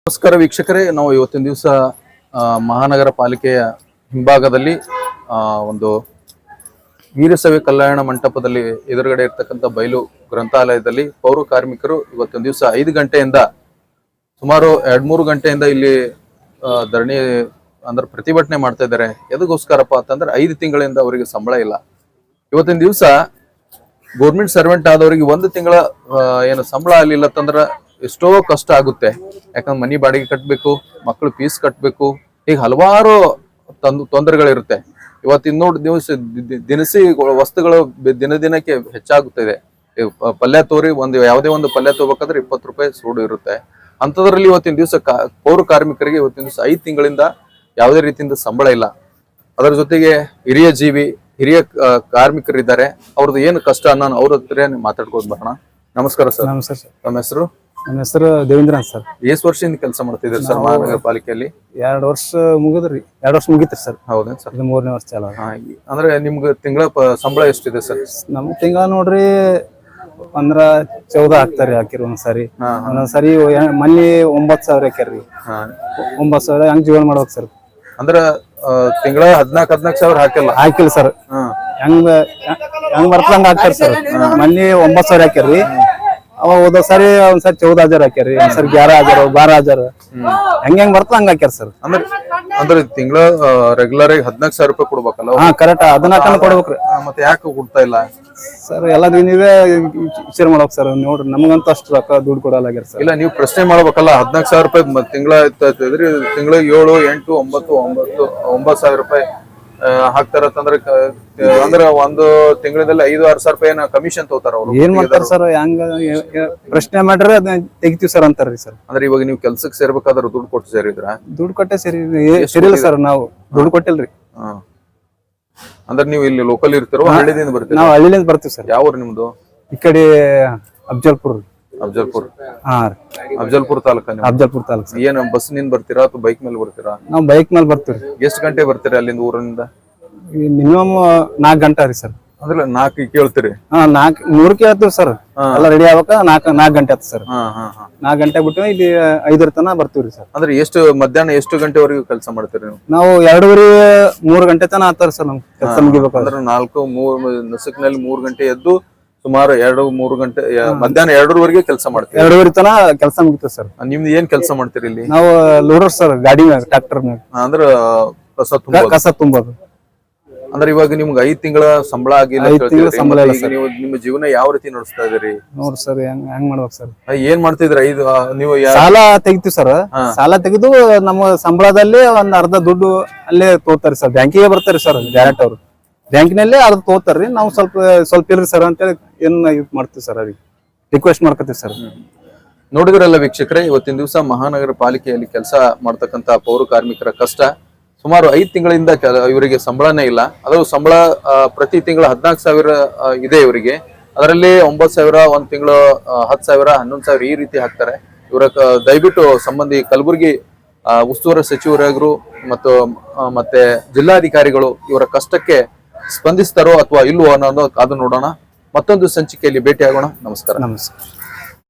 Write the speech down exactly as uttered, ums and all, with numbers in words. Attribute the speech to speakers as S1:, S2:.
S1: ನಮಸ್ಕಾರ ವೀಕ್ಷಕರೇ, ನಾವು ಇವತ್ತಿನ ದಿವಸ ಮಹಾನಗರ ಪಾಲಿಕೆಯ ಹಿಂಭಾಗದಲ್ಲಿ ಒಂದು ವೀರಶೈವ ಕಲ್ಯಾಣ ಮಂಟಪದಲ್ಲಿ ಎದುರುಗಡೆ ಇರ್ತಕ್ಕಂಥ ಬಯಲು ಗ್ರಂಥಾಲಯದಲ್ಲಿ ಪೌರ ಕಾರ್ಮಿಕರು ಇವತ್ತಿನ ದಿವಸ ಐದು ಗಂಟೆಯಿಂದ ಸುಮಾರು ಎರಡ್ ಮೂರು ಗಂಟೆಯಿಂದ ಇಲ್ಲಿ ಧರಣಿ ಅಂದ್ರೆ ಪ್ರತಿಭಟನೆ ಮಾಡ್ತಾ ಇದ್ದಾರೆ. ಎದಕ್ಕೋಸ್ಕರಪ್ಪ ಅಂತಂದ್ರೆ ಐದು ತಿಂಗಳಿಂದ ಅವರಿಗೆ ಸಂಬಳ ಇಲ್ಲ. ಇವತ್ತಿನ ದಿವಸ ಗೌರ್ಮೆಂಟ್ ಸರ್ವೆಂಟ್ ಆದವರಿಗೆ ಒಂದು ತಿಂಗಳ ಏನು ಸಂಬಳ ಆಗಲಿಲ್ಲ ಅಂತಂದ್ರೆ ಎಷ್ಟೋ ಕಷ್ಟ ಆಗುತ್ತೆ. ಯಾಕಂದ್ರೆ ಮನಿ ಬಾಡಿಗೆ ಕಟ್ಟಬೇಕು, ಮಕ್ಕಳು ಫೀಸ್ ಕಟ್ಟಬೇಕು, ಈಗ ಹಲವಾರು ತಂದು ತೊಂದರೆಗಳಿರುತ್ತೆ. ಇವತ್ತಿನ ನೋಡಿ ದಿವಸ ದಿನಸಿ ವಸ್ತುಗಳು ದಿನ ದಿನಕ್ಕೆ ಹೆಚ್ಚಾಗುತ್ತಿದೆ. ಪಲ್ಯ ತೋರಿ ಒಂದು ಯಾವುದೇ ಒಂದು ಪಲ್ಯ ತಗೋಬೇಕಾದ್ರೆ ಇಪ್ಪತ್ತು ರೂಪಾಯಿ ಸೂಡು ಇರುತ್ತೆ. ಅಂಥದ್ರಲ್ಲಿ ಇವತ್ತಿನ ದಿವಸ ಪೌರ ಕಾರ್ಮಿಕರಿಗೆ ಇವತ್ತಿನ ದಿವಸ ಐದು ತಿಂಗಳಿಂದ ಯಾವುದೇ ರೀತಿಯಿಂದ ಸಂಬಳ ಇಲ್ಲ. ಅದರ ಜೊತೆಗೆ ಹಿರಿಯ ಜೀವಿ ಹಿರಿಯ ಕಾರ್ಮಿಕರಿದ್ದಾರೆ, ಅವ್ರದ್ದು ಏನು ಕಷ್ಟ ಅನ್ನೋ ಅವ್ರ ಹತ್ರ ಮಾತಾಡ್ಕೊಂಡು ಬರೋಣ. ನಮಸ್ಕಾರ ಸರ್.
S2: ನಮಸ್ಕಾರ ಸರ್.
S1: ನಮ್ಮ ಹೆಸರು?
S2: ನನ್ನ ಹೆಸರು ದೇವೇಂದ್ರ ಅಂತ ಸರ್.
S1: ಎಷ್ಟು ವರ್ಷದಿಂದ ಕೆಲಸ ಮಾಡ್ತಿದ್ದೀರಿ ಸರ್ ಮಹಾನಗರ ಪಾಲಿಕೆಯಲ್ಲಿ?
S2: ಎರಡು ವರ್ಷ ಮುಗಿದ್ರಿ ಎರಡು ವರ್ಷ ಮುಗಿತ್ರಿ ಸರ್.
S1: ಹೌದೇನ್ ಸರ್?
S2: ಇದು ಮೂರನೇ ವರ್ಷ ಚಾಲ.
S1: ಅಂದ್ರೆ ನಿಮ್ಗೆ ತಿಂಗಳ ಸಂಬಳ ಎಷ್ಟಿದೆ ಸರ್?
S2: ನಮ್ ತಿಂಗಳ ನೋಡ್ರಿ ಅಂದ್ರ ಚೌದ ಹಾಕ್ತಾರಿ, ಹಾಕಿರಿ ಒಂದ್ಸರಿ. ಒಂದೊಂದ್ಸರಿ ಮನಿ ಒಂಬತ್ ಸಾವಿರ ಹಾಕ್ಯಾರ್ರಿ. ಒಂಬತ್ ಸಾವಿರ ಹೆಂಗ್ ಜೀವನ ಮಾಡ್ಬೇಕು ಸರ್? ಅಂದ್ರ
S1: ತಿಂಗಳ ಹದ್ನಾಕ್ ಹದ್ನಾಕ್ ಸಾವಿರ ಹಾಕಿಲ್ಲ
S2: ಹಾಕಿಲ್ಲ ಸರ್. ಹೆಂಗ್ ಹೆಂಗ್ ಬರ್ತಂಗ ಹಾಕ್ತಾರ ಸರ್. ಮನಿ ಒಂಬತ್ ಸಾವಿರ ಹಾಕ್ಯಾರ್ರಿ. ಅವ ಹೋದ ಸರಿ ಒಂದ್ಸರಿ ಚೌದ ಹಜಾರ್ ಹಾಕ್ಯಾರಿ, ಒಂದ್ಸರಿ ಗ್ಯಾರ ಹಜಾರ್ ಬಾರ ಹಜಾರ್ ಹೆಂಗ್ ಹೆಂಗ್ ಬರ್ತ ಹಂಗ ಹಾಕ್ಯಾರ ಸರ್.
S1: ಅಂದ್ರೆ ಅಂದ್ರೆ ತಿಂಗಳ ರೆಗ್ಯುಲರ್ ಆಗಿ ಹದ್ನಾಕ್ ಸಾವಿರ ರೂಪಾಯಿ ಕೊಡ್ಬೇಕಲ್ಲ?
S2: ಹಾ ಕರೆಕ್ಟ್, ಹದಿನಾಲ್ಕನ ಕೊಡ್ಬೇಕ್ರಿ.
S1: ಮತ್ತೆ ಯಾಕೆ ಕೊಡ್ತಾ ಇಲ್ಲ
S2: ಸರ್? ಎಲ್ಲ ನೀವೇ ವಿಚಾರ ಮಾಡ್ಬೇಕು ಸರ್. ನೋಡ್ರಿ ನಮ್ಗಂತ ಅಷ್ಟು ರೊಕ್ಕ ದುಡ್ಡು ಕೊಡಲಾಗ್ಯಾರ ಸರ್.
S1: ಇಲ್ಲ, ನೀವು ಪ್ರಶ್ನೆ ಮಾಡ್ಬೇಕಲ್ಲ. ಹದ್ನಾಕ್ ಸಾವಿರ ರೂಪಾಯಿ ತಿಂಗಳ ಇರ್ತೈತ್ರಿ, ತಿಂಗಳಿಗೆ ಏಳು ಎಂಟು ಒಂಬತ್ತು ಒಂಬತ್ತು ಒಂಬತ್ತು ಸಾವಿರ ರೂಪಾಯಿ ಹಾಕ್ತಾರಂದ್ರೆ ಅಂದ್ರೆ ಒಂದು ತಿಂಗಳಲ್ಲಿ ಐದು ಆರು ಸಾವಿರ ರೂಪಾಯಿ ಕಮಿಷನ್ ತಗೋತಾರ ಅವ್ರು.
S2: ಏನ್ ಮಾಡ್ತಾರ ಸರ್? ಹೆಂಗ ಪ್ರಶ್ನೆ ಮಾಡ್ರಿ ಅದನ್ನ ತೆಗಿತೀವಿ ಸರ್ ಅಂತಾರ್ರಿ ಸರ್.
S1: ಅಂದ್ರೆ ಇವಾಗ ನೀವು ಕೆಲ್ಸಕ್ಕೆ ಸೇರ್ಬೇಕಾದ್ರೆ ದುಡ್ಡು ಕೊಟ್ಟು ಸೇರಿದ್ರ?
S2: ದುಡ್ಡು ಕೊಟ್ಟೆ ಸೇರಿ ಸೇರಿಲ್ಲ ಸರ್. ನಾವು ದುಡ್ಡು ಕೊಟ್ಟಿಲ್ರಿ.
S1: ಅಂದ್ರೆ ನೀವು ಇಲ್ಲಿ ಲೋಕಲ್ ಇರ್ತೀರೋ ಹಳ್ಳಿದಿಂದ ಬರ್ತೀವಿ?
S2: ನಾವು ಹಳ್ಳಿಲಿಂದ ಬರ್ತೀವಿ ಸರ್.
S1: ಯಾವ ಊರು ನಿಮ್ದು?
S2: ಈ ಕಡೆ ಅಫ್ಜಲ್ಪುರ್.
S1: ಅಫ್ಜಲ್ಪುರ್?
S2: ಹಾ,
S1: ಅಫ್ಜಲ್ಪುರ್ ತಾಲೂಕ?
S2: ಅಫ್ಜಲ್ಪುರ್ ತಾಲೂಕ್.
S1: ಏನ್ ಬಸ್ ನಿಂದ ಬರ್ತೀರಾ ಅಥವಾ ಬೈಕ್ ಮೇಲೆ ಬರ್ತೀರಾ?
S2: ನಾವು ಬೈಕ್ ಮೇಲೆ ಬರ್ತೀವಿ.
S1: ಎಷ್ಟು ಗಂಟೆ ಬರ್ತೀರಾ ಅಲ್ಲಿಂದ ಊರಿನಿಂದ?
S2: ಮಿನಿಮಮ್ ನಾಲ್ಕು ಗಂಟೆ ರೀ ಸರ್.
S1: ಅಂದ್ರೆ ನಾಲ್ಕು ಕೇಳ್ತೀರಿ?
S2: ಹಾ, ನಾಲ್ಕು ಮೂರು ಕೇಳ್ತೀವಿ ಸರ್. ಎಲ್ಲ ರೆಡಿ ಆಗ್ಬೇಕ ನಾಲ್ಕು ನಾಲ್ಕು ಗಂಟೆ ಆಯ್ತು ಸರ್. ನಾಲ್ಕು ಗಂಟೆ ಬಿಟ್ಟು ಇಲ್ಲಿ ಐದರ ತನ ಬರ್ತೀವ್ರಿ ಸರ್.
S1: ಅಂದ್ರೆ ಎಷ್ಟು ಮಧ್ಯಾಹ್ನ ಎಷ್ಟು ಗಂಟೆವರೆಗೂ ಕೆಲಸ ಮಾಡ್ತೀರಿ ನೀವು?
S2: ನಾವು ಎರಡೂವರೆ ಮೂರು ಗಂಟೆ ತನ ಆತಾರ ಸರ್ ನಮ್ ಕೆಲಸ ಮುಗಿಬೇಕು.
S1: ಅಂದ್ರೆ ನಾಲ್ಕು ಮೂರ್ ನಸುಕ್ನಲ್ಲಿ ಮೂರ್ ಗಂಟೆ ಎದ್ದು ಸುಮಾರು ಎರಡು ಮೂರು ಗಂಟೆ ಮಧ್ಯಾಹ್ನ ಎರಡರವರೆಗೆ ಕೆಲಸ ಮಾಡ್ತೀವಿ?
S2: ಎರಡೂವರೆ ತನ ಕೆಲಸ ಮುಗಿತೇವೆ ಸರ್.
S1: ನಿಮ್ದು ಏನ್ ಕೆಲಸ ಮಾಡ್ತೀರಿ ಇಲ್ಲಿ?
S2: ನಾವು ಲೋಡರ್ ಸರ್, ಗಾಡಿ ಮ್ಯಾಗ ಟ್ರಾಕ್ಟರ್ ಮ್ಯಾಗ.
S1: ಅಂದ್ರೆ ಕಸ ತುಂಬ
S2: ಕಸ ತುಂಬೋದು.
S1: ಅಂದ್ರೆ ಇವಾಗ ನಿಮ್ಗೆ ಐದ್ ತಿಂಗಳ ಸಂಬಳ ಆಗಿಲ್ಲ, ನೀವು ನಿಮ್ಮ ಜೀವನ ಯಾವ ರೀತಿ ನಡೆಸ್ತಾ ಇದೀರಿ?
S2: ನೋಡ್ರಿ ಸರ್, ಹೆಂಗ್ ಹೆಂಗ್ ಮಾಡ್ಬೇಕು ಸರ್?
S1: ಏನ್ ಮಾಡ್ತಿದ್ರಿ? ಐದು ನೀವು
S2: ಸಾಲ ತೆಗಿತೀವಿ ಸರ್. ಸಾಲ ತೆಗೆದು ನಮ್ಮ ಸಂಬಳದಲ್ಲಿ ಒಂದ್ ಅರ್ಧ ದುಡ್ಡು ಅಲ್ಲೇ ತೋತಾರಿ ಸರ್. ಬ್ಯಾಂಕಿಗೆ ಬರ್ತಾರೆ ಸರ್ ಡೈರೆಕ್ಟ್ ಅವ್ರು. ಬ್ಯಾಂಕಿನಲ್ಲೇ ಅರ್ಧ ತೋತಾರ್ರಿ. ನಾವು ಸ್ವಲ್ಪ ಸ್ವಲ್ಪ ಇರ್ರಿ ಸರ್ ಅಂತೇಳಿ ಏನ್ ಇದು ಮಾಡ್ತೀವಿ ಸರ್, ಅದಕ್ಕೆ ರಿಕ್ವೆಸ್ಟ್ ಮಾಡ್ಕೊತೀವಿ ಸರ್.
S1: ನೋಡಿದ್ರಲ್ಲ ವೀಕ್ಷಕರೇ, ಇವತ್ತಿನ ದಿವಸ ಮಹಾನಗರ ಪಾಲಿಕೆಯಲ್ಲಿ ಕೆಲಸ ಮಾಡ್ತಕ್ಕಂತ ಪೌರ ಕಾರ್ಮಿಕರ ಕಷ್ಟ. ಸುಮಾರು ಐದು ತಿಂಗಳಿಂದ ಇವರಿಗೆ ಸಂಬಳನೇ ಇಲ್ಲ. ಅದು ಸಂಬಳ ಪ್ರತಿ ತಿಂಗಳು ಹದಿನಾಲ್ಕು ಸಾವಿರ ಇದೆ ಇವರಿಗೆ. ಅದರಲ್ಲಿ ಒಂಬತ್ತು ಸಾವಿರ ಒಂದ್ ತಿಂಗಳು ಹತ್ತು ಸಾವಿರ ಹನ್ನೊಂದು ಸಾವಿರ ಈ ರೀತಿ ಹಾಕ್ತಾರೆ. ಇವರ ದಯವಿಟ್ಟು ಸಂಬಂಧಿ ಕಲಬುರಗಿ ಉಸ್ತುವಾರಿ ಸಚಿವರಾಗರು ಮತ್ತು ಮತ್ತೆ ಜಿಲ್ಲಾಧಿಕಾರಿಗಳು ಇವರ ಕಷ್ಟಕ್ಕೆ ಸ್ಪಂದಿಸ್ತಾರೋ ಅಥವಾ ಇಲ್ವೋ ಅನ್ನೋದು ಕಾದು ನೋಡೋಣ. ಮತ್ತೊಂದು ಸಂಚಿಕೆಯಲ್ಲಿ ಭೇಟಿ ಆಗೋಣ. ನಮಸ್ಕಾರ.
S2: ನಮಸ್ಕಾರ.